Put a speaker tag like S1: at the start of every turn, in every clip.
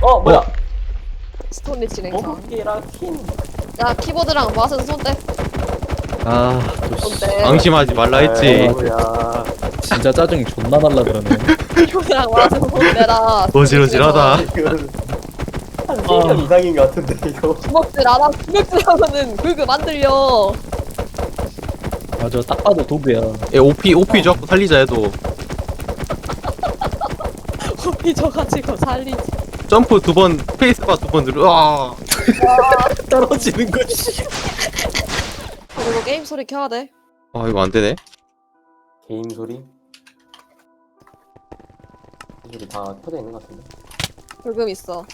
S1: 뭐야?
S2: 스톤리 진행상.
S1: 먹기랑 킨.
S2: 야 키보드랑 마우스에서 손 떼.
S3: 아또
S2: 손 떼.
S4: 방심하지 말라 했지.
S1: 뭐야?
S3: 진짜 짜증이 존나 날라 그러네.
S2: 키보드랑 마우스에서 손 떼라.
S4: 어지러지하다.
S1: 이건 한 3년 이상인 것 같은데 이거.
S2: 주먹질 안 하고 주먹질 하면은 그거 만들려.
S3: 맞아 딱 봐도 도구야.
S4: OP 자꾸 살리자 해도
S2: 호피 져가지고 살리지.
S4: 점프 2번, 스페이스바 2번 누르. 아,
S3: 떨어지는 거지.
S2: 그리고 게임 소리 켜야 돼.
S4: 아 이거 안 되네.
S1: 게임 소리? 소리 다 켜져 있는 것 같은데.
S2: 불금 있어.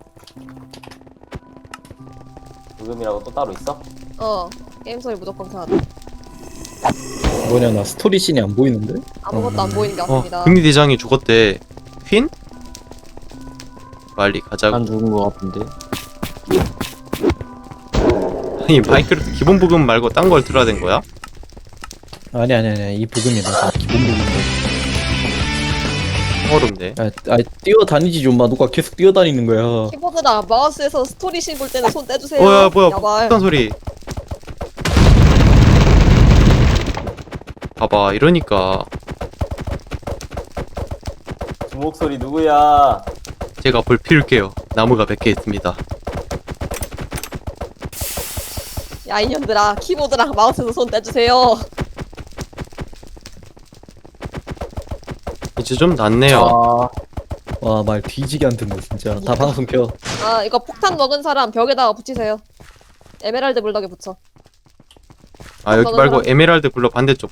S1: 녹음이라고 또 따로 있어?
S2: 게임 소리 무조건 켜야 돼.
S3: 뭐냐 나 스토리 씬이 안 보이는데?
S2: 아무것도 안 보이는 게 같습니다.
S4: 금리대장이 죽었대. 퀸? 빨리 가자고.
S5: 난 죽은 거 같은데.
S4: 아니 마이크로프트 기본 부금 말고 딴 걸 틀어야 된 거야?
S3: 아니 이 부금이다. 기본 부금인데.
S4: 어렵네.
S3: 뛰어다니지 좀 마. 누가 계속 뛰어다니는 거야.
S2: 키보드랑 마우스에서 스토리 씬 볼 때는 손 떼주세요.
S4: 뭐야
S2: 야발.
S4: 폭탄 소리. 봐봐 이러니까
S1: 주목 소리 누구야?
S4: 제가 불 피울게요. 나무가 100개 있습니다.
S2: 야 이년들아 키보드랑 마우스에서 손 떼주세요.
S4: 이제 좀 낫네요.
S3: 와 말 뒤지게 안 듣네 진짜. 다 방송 켜.
S2: 아 이거 폭탄 먹은 사람 벽에다가 붙이세요. 에메랄드 블럭에 붙여.
S4: 아 여기 말고 에메랄드 굴러 반대쪽.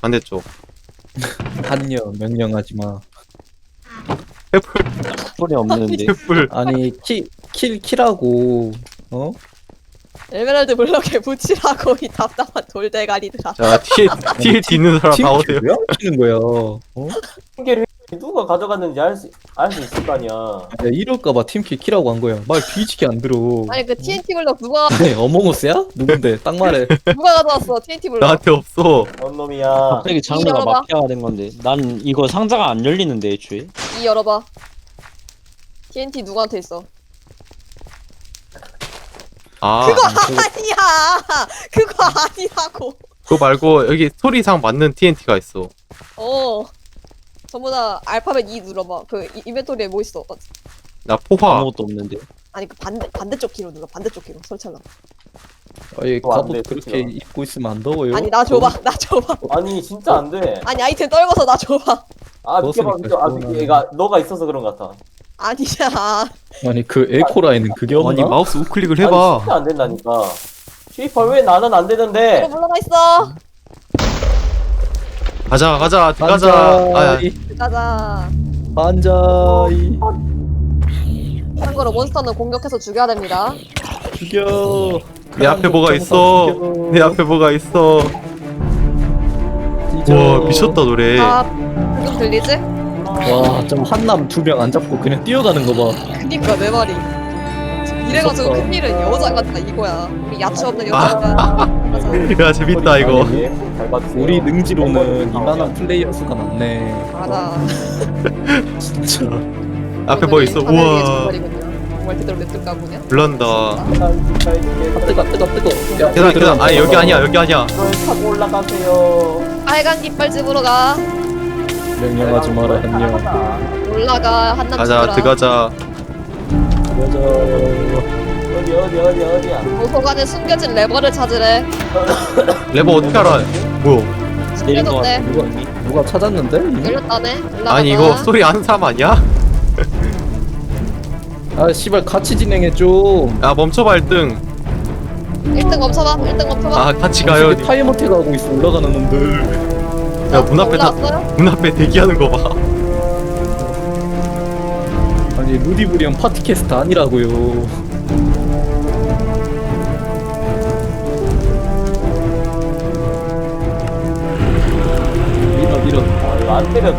S3: 한여 명령하지 마.
S4: 횃불
S5: 소리 없는데.
S4: 횃불.
S3: 아니 킬하고 어?
S2: 에메랄드 블럭에 붙이라고 이 답답한 돌대가리들아.
S4: 자 뒤에 있는 사람 나오세요.
S3: 왜 안 키는 거야? 어?
S1: 핑계를 누가 가져갔는지 알 수 있을 거 아니야.
S3: 야 이럴까봐 팀킬 키라고 한 거야. 말 뒤지게 안 들어.
S2: 아니 그 TNT 블럭 누가
S3: 네 어몽어스야? 누군데? 딱 말해.
S2: 가져왔어 TNT 블럭.
S4: 나한테 없어.
S1: 뭔 놈이야?
S5: 갑자기 장르가
S2: 열어봐.
S5: 마피아가 된 건데. 난 이거 상자가 안 열리는데 애초에.
S2: 이 열어봐. TNT 누구한테 있어?
S4: 아
S2: 그거 아니야. 그거 아니라고.
S4: 그거 말고 여기 스토리상 맞는 TNT가 있어.
S2: 전부 다 알파벳 E 눌러봐. 그 인벤토리에 뭐 있어?
S4: 나 포화.
S5: 아무것도 없는데.
S2: 아니 그 반대쪽 키로 눌러. 반대쪽 키로 설치하려.
S3: 아니
S1: 그거 안
S3: 갑옷
S1: 돼,
S3: 그렇게
S1: 그치요.
S3: 입고 있으면 안 더워요?
S2: 아니 나 줘봐. 나 줘봐.
S1: 아니 진짜 안 돼.
S2: 아니 아이템 떨궈서 나 줘봐.
S1: 아 믿겨봐
S3: 벗으니까
S1: 믿겨. 아 믿겨.
S3: 시원하네.
S1: 얘가 너가 있어서 그런 것 같아.
S2: 아니야.
S3: 아니 그 에코라인은 그게 없나?
S4: 아니 마우스 우클릭을
S1: 아니
S4: 해봐.
S1: 진짜 안 된다니까. 쉐이퍼 왜 나는 안 되는데?
S2: 이거 물러나 있어.
S4: 가자 들어가자. 아,
S2: 가자.
S3: 반자이
S2: 참고로 몬스터는 공격해서 죽여야 됩니다.
S3: 죽여.
S4: 내 앞에 뭐가 있어. 내 앞에 뭐가 있어. 와 미쳤다 노래.
S2: 지금 들리지?
S3: 와좀 한남 2명 안 잡고 그냥 뛰어가는 거 봐.
S2: 그니까 내 말이. 이래가지고
S3: 무섭다.
S2: 큰일은 여자 같다 이거야. 우리 야채 없는 여자가.
S4: 야 재밌다 이거.
S1: 잘 봐주세요.
S3: 우리 능지로는 이만한 플레이어 수가 많네.
S2: 맞아.
S3: 진짜.
S4: 앞에 뭐 있어. 우와.
S2: 정말 그대로 냅둘까 보냐?
S4: 불난다.
S3: 뜨거. 야,
S4: 계단. 아니 여기 아니야.
S1: 널 타고 올라가세요.
S2: 빨간 깃발집으로 가.
S3: 명령하지 마라 한여.
S2: 올라가 한남
S4: 가자
S2: 집으로.
S4: 들어가자.
S3: 가자.
S1: 어디야?
S2: 도서관에 숨겨진 레버를 찾으래.
S4: 레버 어떻게 알아? 뭐야?
S5: 내린 거
S2: 숨겨졌대.
S5: 같은데.
S3: 누가 찾았는데? 이미?
S2: 열렸다네. 올라가자.
S4: 아니 이거 스토리 아는 사람 아니야?
S3: 아 씨발 같이 진행해 좀.
S4: 야 멈춰봐 1등.
S2: 1등 멈춰봐. 1등 멈춰봐.
S4: 아 같이 가요.
S3: 어떻게 타이머택 하고 있어 올라가는 놈들.
S4: 야 문 앞에
S2: 올라왔어요?
S4: 문 앞에 대기하는 거 봐.
S3: 아니 루디브리언 파티캐스트 아니라고요. 밀어.
S1: 아 이거 안 때려져.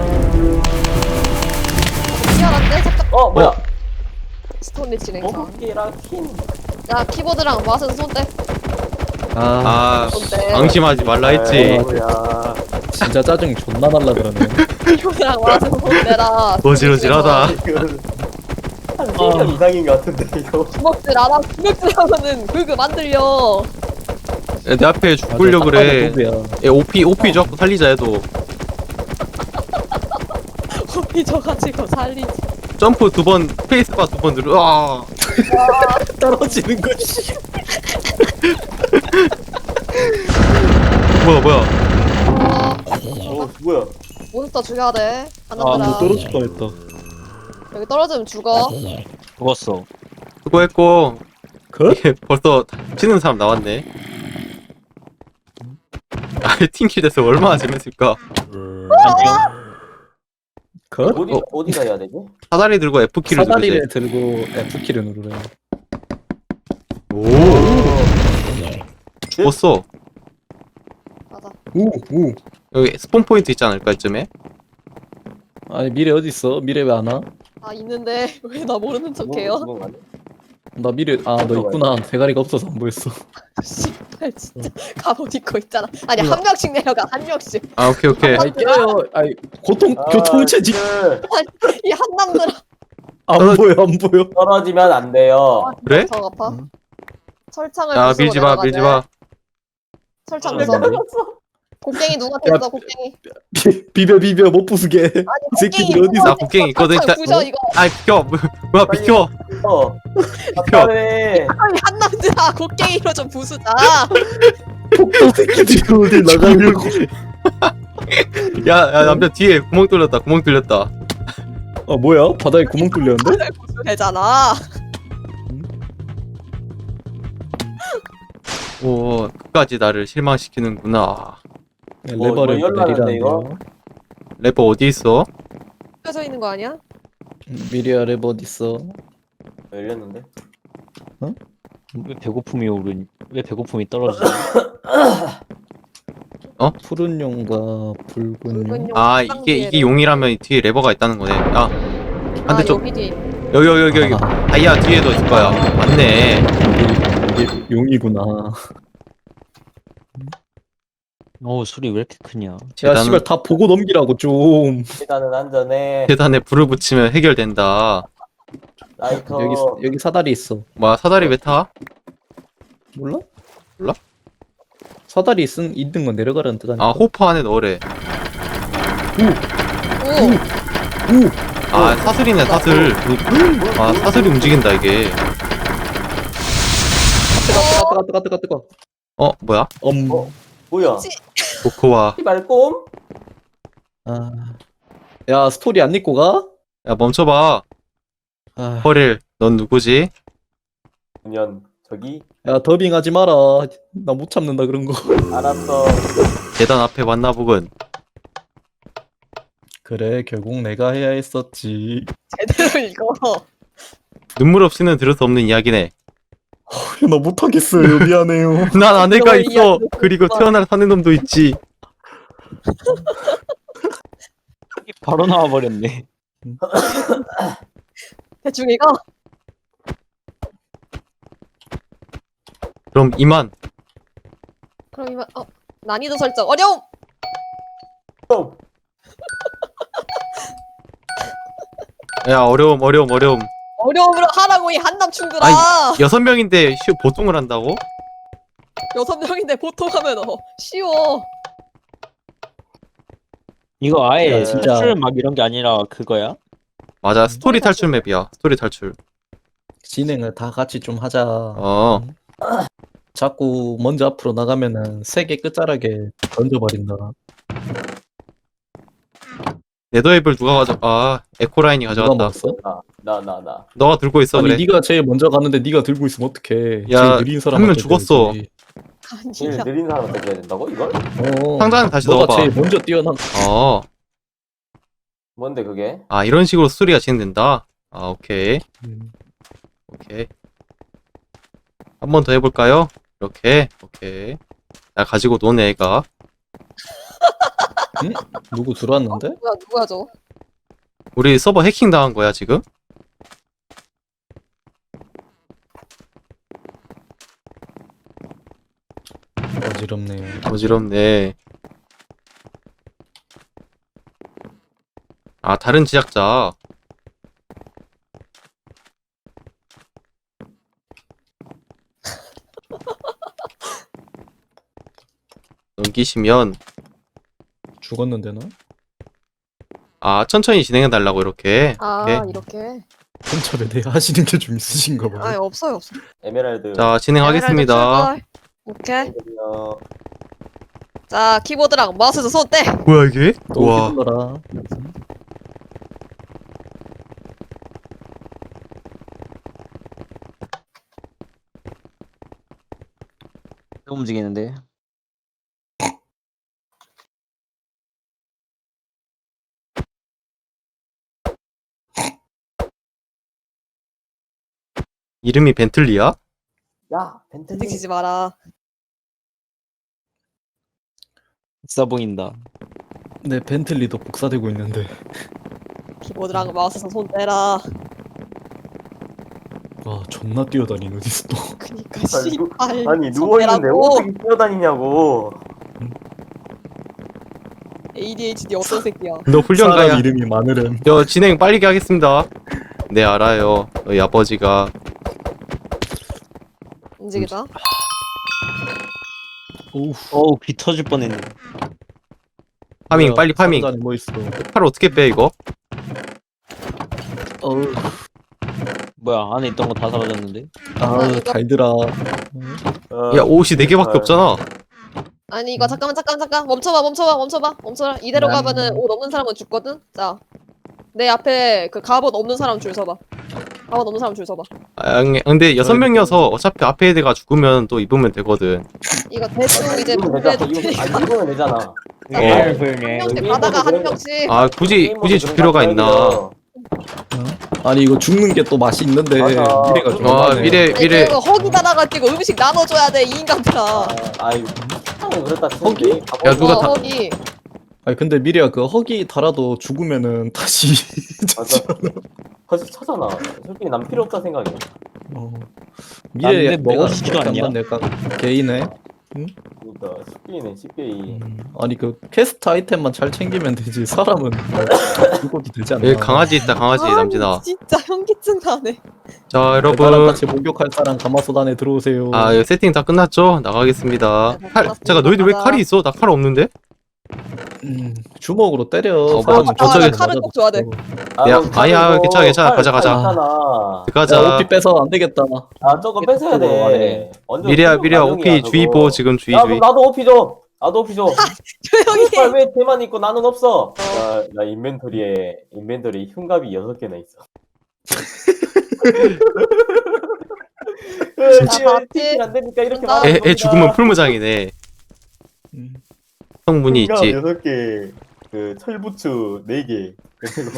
S2: 미안한데 잠깐.
S1: 뭐야?
S2: 스톤리 진행상.
S1: 먹기랑 킨.
S2: 야 키보드랑 마우스에서 손 떼.
S3: 아
S4: 아
S2: 손 떼.
S4: 방심하지 말라 했지.
S1: 뭐야?
S3: 진짜 짜증 존나 날라 그러네.
S2: 키보드랑 마우스에서 손 떼라.
S4: 어지러지하다.
S1: 이건 한 한 3명 이상인 것 같은데 이거.
S2: 주먹질 알아? 주먹질 하면은 그거 만들려.
S4: 야, 내 앞에 죽으려 그래.
S3: 도구야.
S4: 야, OP 줘갖고 살리자 해도.
S2: 호피 져가지고 살리지.
S4: 점프 2번, 스페이스바 2번 누르. 아,
S3: 떨어지는 거지.
S4: 뭐야.
S1: 뭐야?
S2: 몬스터 죽여야 돼.
S3: 아,
S2: 하나들아.
S3: 뭐 떨어질 뻔했다.
S2: 여기 떨어지면 죽어.
S5: 죽었어.
S4: 수고했고.
S3: 컷?
S4: 이게 벌써 치는 사람 나왔네. 아, 팀킬 돼서 얼마나 재밌을까.
S5: 안녕.
S3: 컷?
S1: 어디가 해야 되지?
S4: 사다리 들고 F키를 누르지.
S3: 사다리를 들고 F키를 누르래.
S4: 오, 죽었어.
S2: 맞아.
S3: 우.
S4: 여기 스폰 포인트 있지 않을까, 이쯤에?
S3: 아니 미래 어디 있어? 미래 왜 안 와?
S2: 아 있는데 왜 나 모르는 척해요?
S1: 죽은 거 아니야?
S3: 나 미래 너 있구나. 대가리가 없어서 안 보였어.
S2: 씨발 진짜 갑옷 입고 있잖아. 아니 한 명씩 내려가 한 명씩.
S4: 아, 오케이.
S3: 아이 깨요. 아이
S1: 아,
S3: 교통체직
S1: 그
S2: 이 한남들아.
S3: 안 보여.
S1: 떨어지면 안 돼요.
S4: 그래?
S2: 저 아파.
S3: 응.
S2: 철창을
S4: 야,
S2: 부수고
S4: 밀지 마,
S2: 내려가네.
S4: 밀지 마.
S2: 철창
S3: 아,
S2: 부숴.
S3: 네.
S2: 곡괭이 누가 뺐어 곡괭이.
S3: 비벼 못 부수게.
S2: 아니
S3: 이 새끼들
S2: 곡괭이
S3: 어디 있어?
S4: 나 곡괭이 있거든,
S2: 철창
S4: 진짜.
S2: 부셔 이거.
S4: 아, 비켜. 뭐야, 비켜.
S1: 아빠네.
S2: 아니 한남들아 곡괭이로 좀 부수자.
S3: 폭도 새끼들이 어딜 나가려고.
S4: 야, 남편 뒤에 구멍 뚫렸다.
S3: 아 뭐야? 바닥에 구멍 뚫렸는데?
S2: 되잖아.
S4: 오, 끝까지 나를 실망시키는구나.
S3: 레버를
S1: 뭐 열나는데, 이거?
S3: 내리라는데요.
S4: 래퍼 어디 있어?
S2: 펴져 있는 거 아니야?
S3: 미래야 레버 어디 있어?
S1: 열렸는데.
S5: 왜 배고픔이 떨어지지?
S3: 푸른 용과 붉은 용.
S4: 아, 이게 용이라면 뒤에 레버가 있다는 거네. 아, 반대쪽.
S2: 여기 뒤에.
S4: 여기. 다이아 뒤에도 있을 거야. 맞네.
S3: 이게 용이구나.
S5: 소리 왜 이렇게 크냐?
S3: 야
S4: 재단은,
S3: 씨발 다 보고 넘기라고 좀.
S1: 일단은 안전해.
S4: 재단에 불을 붙이면 해결된다.
S1: 라이터.
S3: 여기 사다리 있어.
S4: 뭐야, 사다리 왜 타?
S3: 몰라?
S4: 몰라?
S3: 사다리 있는 건 내려가라는 뜻 아니야?
S4: 아, 호퍼 안에 넣으래.
S2: 오.
S4: 아, 사슬이네, 사슬. 아, 사슬이 움직인다, 이게.
S3: 뜨거.
S4: 뭐야?
S1: 뭐야?
S4: 코코아.
S1: 말꼼?
S3: 야 스토리 안 읽고 가?
S4: 야, 멈춰봐.
S3: 아,
S4: 허릴, 넌 누구지?
S1: 그냥 저기
S3: 야 더빙하지 마라. 나 못 참는다 그런 거.
S1: 알았어.
S4: 재단 앞에 만나보군.
S3: 그래 결국 내가 해야 했었지.
S2: 제대로 읽어.
S4: 눈물 없이는 들을 수 없는 이야기네.
S3: 나 못하겠어요. 미안해요.
S4: 난 아내가
S2: 너의
S4: 있어.
S2: 이야기도
S4: 그리고
S2: 그렇구나.
S4: 태어날 사는 놈도 있지.
S5: 바로 나와버렸네.
S2: 대충 읽어.
S4: 그럼 이만.
S2: 그럼 이만 난이도 설정 어려움.
S1: 형,
S4: 야, 어려움.
S2: 어려움으로 하라고 이 한남 충들아.
S4: 아이. 6명인데 보통을 한다고?
S2: 6명인데 보통 하면 쉬워.
S5: 이거 아예
S3: 야, 진짜.
S5: 탈출 막 이런 게 아니라 그거야?
S4: 맞아, 스토리 탈출 맵이야. 스토리 탈출.
S3: 진행을 다 같이 좀 하자.
S4: 어.
S3: 자꾸 먼저 앞으로 나가면은 세계 끝자락에 던져버린다.
S4: 네더앱을 누가 에코라인이
S3: 누가
S4: 가져갔다.
S3: 먹었어?
S1: 나.
S4: 너가 들고 있어.
S3: 아니
S4: 그래.
S3: 네가 제일 먼저 가는데 네가 들고 있으면 어떡해.
S4: 야,
S3: 제일 느린
S4: 한
S3: 사람한테
S4: 명 죽었어.
S3: 줘야지.
S1: 제일
S2: 아니야.
S1: 느린 사람한테 줘야 된다고 이걸?
S4: 상자는 다시
S3: 너가
S4: 넣어봐.
S3: 제일 먼저 뛰어난.
S1: 뭔데 그게?
S4: 이런 식으로 스토리가 진행된다. 오케이. 한 번 더 해볼까요? 이렇게. 오케이. 나 가지고 노네, 애가.
S3: 누구 들어왔는데?
S2: 누구야 저?
S4: 우리 서버 해킹 당한 거야, 지금?
S3: 어지럽네요.
S4: 어지럽네. 다른 제작자. 남기시면
S3: 죽었는데 나?
S4: 아 천천히 진행해 달라고 이렇게.
S2: 아
S4: 오케이.
S2: 이렇게.
S3: 혼자에 대해 하시는 게 좀 있으신가 봐요.
S2: 아 없어요 없어.
S1: 에메랄드.
S4: 자 진행하겠습니다.
S2: 에메랄드 출발. 오케이.
S1: 어,
S2: 자 키보드랑 마우스에서 손 떼.
S4: 뭐야 이게?
S3: 또
S4: 와.
S3: 휘둘러라.
S5: 움직이는데.
S4: 이름이 벤틀리야?
S1: 야 벤틀리.
S2: 움직이지 마라.
S5: 비싸 보인다.
S3: 네, 벤틀리도 복사되고 있는데.
S2: 키보드랑 마우스에서 손 떼라.
S3: 와, 존나 뛰어다니는 어디서 또.
S2: 그니까
S1: 아니,
S2: 씨발.
S1: 아니
S2: 손
S1: 누워있는데
S2: 떼라고.
S1: 어떻게 뛰어다니냐고.
S2: ADHD 어떤 새끼야.
S4: 너 훈련가야.
S3: 사람 이름이 마늘은.
S4: 저 진행 빨리 하겠습니다. 네 알아요. 너희 아버지가
S2: 움직이자.
S3: 오우.
S5: 어우 귀 터질 뻔했네.
S4: 파밍
S3: 뭐야,
S4: 빨리 파밍.
S3: 상단에 뭐 있어?
S4: 팔 어떻게 빼 이거?
S3: 어우.
S5: 뭐야 안에 있던 거 다 사라졌는데?
S3: 아, 달들아.
S1: 어,
S4: 야 옷이 4개밖에 없잖아.
S2: 아니 이거 잠깐만 멈춰봐. 이대로 가면은 옷 없는 사람은 죽거든. 자, 내 앞에 그 갑옷 없는 사람 줄 서봐. 갑옷 없는 사람 줄 서봐.
S4: 아, 근데 6명이어서 어차피 앞에 애들가 죽으면 또 입으면 되거든.
S2: 이거 대충 이제
S1: 이거면
S2: 분배해
S1: 되잖아.
S2: 줄 테니까
S1: 아니 이거면 되잖아.
S4: 어.
S2: 한 명씩
S1: 여기
S2: 가다가 한
S1: 그런 거-
S2: 명씩.
S4: 아 굳이 줄 필요가 있나?
S3: 아니, 이거 죽는 게 또 맛이 있는데.
S1: 맞아.
S3: 미래가 좀.
S4: 아
S3: 많네.
S4: 미래
S2: 아니,
S4: 미래
S2: 그거 허기다다가 찍고 음식 나눠줘야 돼 이 인간들아.
S1: 아이 세상에 그렇다
S3: 허기?
S1: 치는데.
S4: 야, 누가 다-
S2: 허기.
S3: 아니, 근데 미래야, 그 허기 달아도 죽으면은 다시.
S1: 맞아. 다시 차잖아. 솔직히 난 필요 없다 생각해.
S3: 어. 미래
S5: 근데 먹어주지도 않냐?
S3: 약간 개이네.
S1: 그러니까 10개이네 10개이.
S3: 아니 그 퀘스트 아이템만 잘 챙기면 되지 사람은 뭐 죽어도 되지 않나?
S4: 여기 강아지 있다 강아지
S2: 아니,
S4: 남진아.
S2: 진짜 현기증 나네.
S4: 자
S3: 나랑
S4: 여러분
S3: 같이 목욕할 사람 가마솥 안에 들어오세요.
S4: 아 이거 세팅 다 끝났죠? 나가겠습니다.
S2: 네,
S4: 칼
S2: 끝났습니다.
S4: 잠깐 너희들 왜
S2: 가자.
S4: 칼이 있어? 나 칼 없는데?
S3: 주먹으로 때려.
S4: 뭐,
S3: 사람은
S4: 저쪽에
S2: 칼은 꼭 줘야 돼.
S4: 야, 아니야, 괜찮아. 가자.
S1: 있잖아.
S4: 들어가자.
S3: 야, 오피 빼서 안 되겠다.
S1: 아 저거 뺏어야 돼. 완전
S4: 미래야
S1: 생존
S4: 미래야
S1: 가능이야,
S4: 오피
S1: 저거.
S4: 주의보 지금 주의
S1: 야
S4: 주의.
S1: 그럼 나도 오피 줘. 나도 오피 줘.
S2: 조용히 해.
S1: 왜 걔만 있고 나는 없어? 나 인벤토리에 흉갑이 6개나 있어.
S2: 진짜 봤지?
S1: 안 되니까 이렇게
S2: 나-
S1: 말하는
S4: 애 죽으면 풀무장이네.
S3: 음.
S4: 성문이
S1: 흉갑
S4: 있지.
S1: 6개, 그 철부츠 4개, 그리고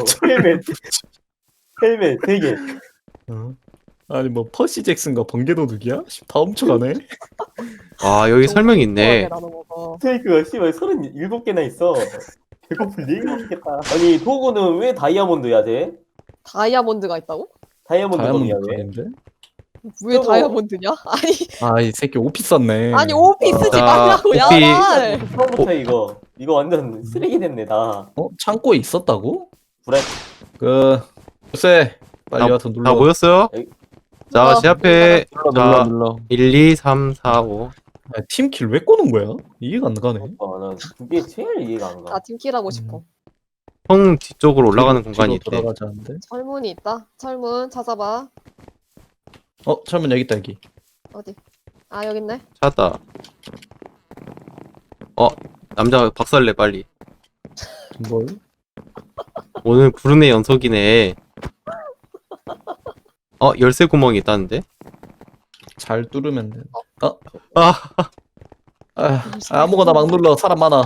S1: 헬멧 3개.
S3: 어? 아니 뭐 퍼시 잭슨과 번개도둑이야? 다 훔쳐가네.
S4: 아 여기 설명이 있네.
S1: 스테이크가 씨발 37개나 있어. 배고플 리가 없겠다. 아니 도구는 왜 다이아몬드야 쟤?
S2: 다이아몬드가 있다고?
S1: 다이아몬드 검이야 왜?
S3: 다이아몬드.
S2: 왜
S1: 저거-
S2: 다이아몬드냐?
S3: 아이 새끼 오피 썼네.
S2: 아니 오피 쓰지
S4: 자,
S2: 말라고 야.
S4: 오피.
S2: 말.
S1: 처음부터 이거 완전 쓰레기 됐네 나.
S3: 어? 창고에 있었다고?
S1: 그래.
S3: 그 요새 빨리
S4: 다-
S3: 와서 눌러.
S4: 다 모였어요? 자,
S2: 어,
S4: 제 앞에 자,
S5: 눌러.
S4: 1, 2, 3, 4, 5.
S3: 아, 팀킬 왜 꼬는 거야? 이해가 안 가네.
S1: 난 그게 제일 이해가 안 가.
S2: 나 팀킬하고 싶어.
S4: 형 뒤쪽으로 올라가는 공간이
S3: 뒤로
S4: 있대.
S3: 돌아가자는데.
S2: 철문이 있다. 철문 찾아봐.
S3: 어, 철문 여기 있다 여기.
S2: 어디? 아 여기 있네.
S4: 찾았다. 남자 박살내 빨리.
S3: 뭘?
S4: 오늘 구름의 연속이네. 열쇠 구멍이 있다는데?
S3: 잘 뚫으면 돼.
S4: 아,
S3: 아무거나 막 눌러. 사람 많아.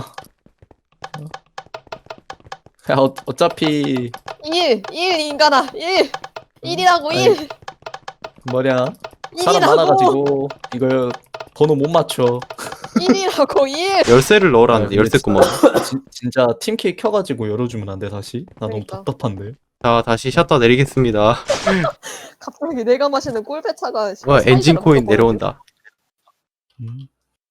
S3: 야, 어차피
S2: 1 인간아 1 1이라고
S3: 아이,
S2: 1
S3: 뭐냐? 사람
S2: 1이라고
S3: 많아가지고 이걸 번호 못 맞춰.
S2: 1이라고 1.
S4: 열쇠를 넣으라는데,
S3: 아,
S4: 열쇠 구멍.
S3: 진짜 팀킬 켜가지고 열어주면 안 돼 다시? 나
S2: 그러니까.
S3: 너무 답답한데.
S4: 자, 다시 셔터 내리겠습니다.
S2: 갑자기 내가 마시는 꿀배차가
S4: 와, 엔진 코인 내려온다.
S3: 음.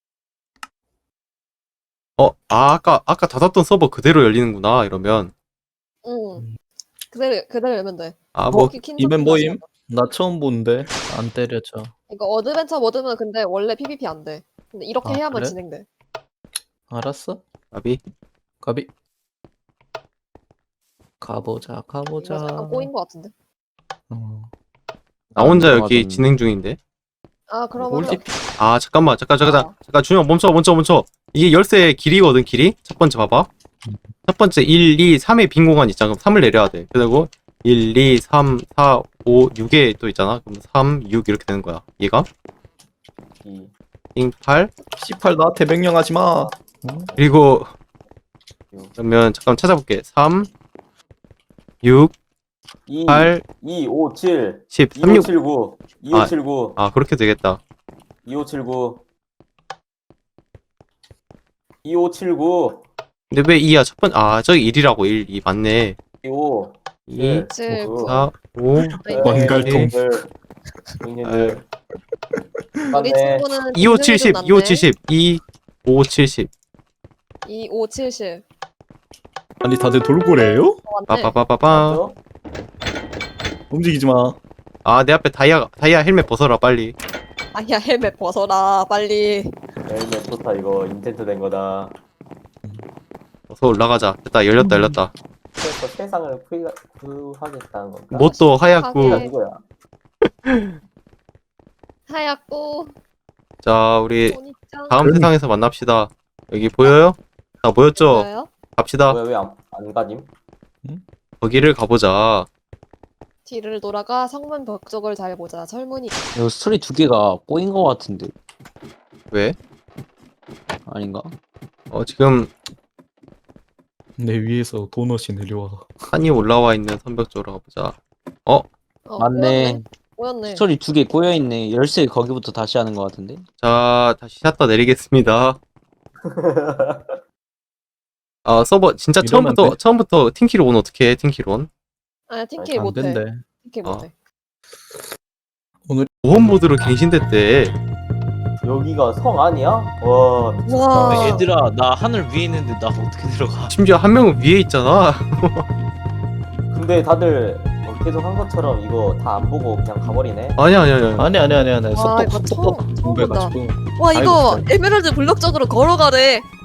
S4: 아까 닫았던 서버 그대로 열리는구나, 이러면.
S2: 응. 그대로 열면 돼.
S4: 뭐,
S3: 이벤 모임? 나 처음 보는데 안 때려져.
S2: 이거 어드벤처 모드는 근데 원래 PVP 안 돼. 근데 이렇게
S3: 아,
S2: 해야만
S3: 그래?
S2: 진행돼.
S3: 알았어.
S4: 아비.
S3: 가비. 가보자.
S2: 이거 잠깐 꼬인 거 같은데.
S3: 어.
S4: 나 혼자 여기
S5: 들어가던-
S4: 진행 중인데.
S2: 아 그러면
S3: 꿀팁.
S4: 아 잠깐만
S2: 아.
S4: 잠깐 준영 멈춰. 이게 열쇠 길이거든 길이. 첫 번째 봐봐. 첫 번째 1, 2, 3의 빈 공간 있잖아. 그럼 3을 내려야 돼. 그리고 1, 2, 3, 4, 5, 6에 또 있잖아. 그럼 3, 6 이렇게 되는 거야. 얘가
S1: 2,
S4: 8
S3: C8 나한테 명령하지 마.
S4: 그리고
S1: 6,
S4: 그러면 잠깐 찾아볼게. 3, 6,
S1: 2,
S4: 8,
S1: 2, 5, 7,
S4: 10, 3, 6.
S1: 2579, 2579,
S4: 아 그렇게 되겠다.
S1: 2579, 2579,
S4: 근데 왜 2야? 첫 번, 아, 저기 1이라고, 1, 2, 맞네.
S1: 25,
S4: 2,
S2: 7, 9.
S4: 4, 5,
S3: 원갈통.
S1: 형님들.
S2: 우리 친구는
S4: 2, 5, 70, 2, 5, 70, 2, 5, 70.
S2: 2, 5, 70.
S3: 아니 다들 돌고래예요?
S2: 맞네.
S4: 빠빠빠빠빠.
S1: 맞죠?
S3: 움직이지 마.
S4: 아, 내 앞에 다이아 헬멧 벗어라, 빨리.
S2: 아야 헬멧 벗어라 빨리.
S1: 헬멧 좋다 이거 인텐트 된 거다.
S4: 어서 올라가자. 됐다, 열렸다.
S1: 그래서 세상을 구하겠다는 건가?
S4: 뭣도
S1: 이게
S4: 하얗고.
S2: 하게.
S1: 누구야?
S2: 하얗고
S4: 자, 우리
S2: 손이짱.
S4: 다음 세상에서 만납시다. 여기 보여요? 다 모였죠?
S2: 뭐예요?
S4: 갑시다.
S1: 왜안 가님?
S4: 거기를 가보자.
S2: 뒤를 돌아가 성문 벽쪽을 잘 보자. 설문이.
S5: 이거 스토리 두 개가 꼬인 거 같은데
S4: 왜?
S5: 아닌가?
S4: 지금
S3: 내 위에서 도넛이 내려와.
S4: 산이 올라와 있는 선벽 쪽으로 가보자.
S5: 맞네.
S2: 꼬였네.
S5: 스토리 두 개 꼬여 있네. 열쇠 거기부터 다시 하는 거 같은데.
S4: 자, 다시 샷다 내리겠습니다. 아, 서버 진짜
S3: 이러면 돼?
S4: 처음부터 팀키로 온 어떻게 해? 팀키로 온?
S2: 아니 팀키
S3: 안
S2: 못해.
S3: 된대.
S2: 팀키 못해.
S4: 보험 모드로 갱신됐대.
S1: 여기가 성 아니야? 와 미쳤다.
S2: 와.
S5: 얘들아 나 하늘 위에 있는데 나 어떻게 들어가?
S4: 심지어 한 명은 위에 있잖아.
S1: 근데 다들 계속 한 것처럼 이거 다 안 보고 그냥 가버리네.
S4: 아니야.
S3: 아니.
S2: 와, 이거 처음
S3: 공부해가지고.
S2: 와
S3: 아이고,
S2: 이거
S3: 진짜.
S2: 에메랄드 블럭 쪽으로 걸어가래.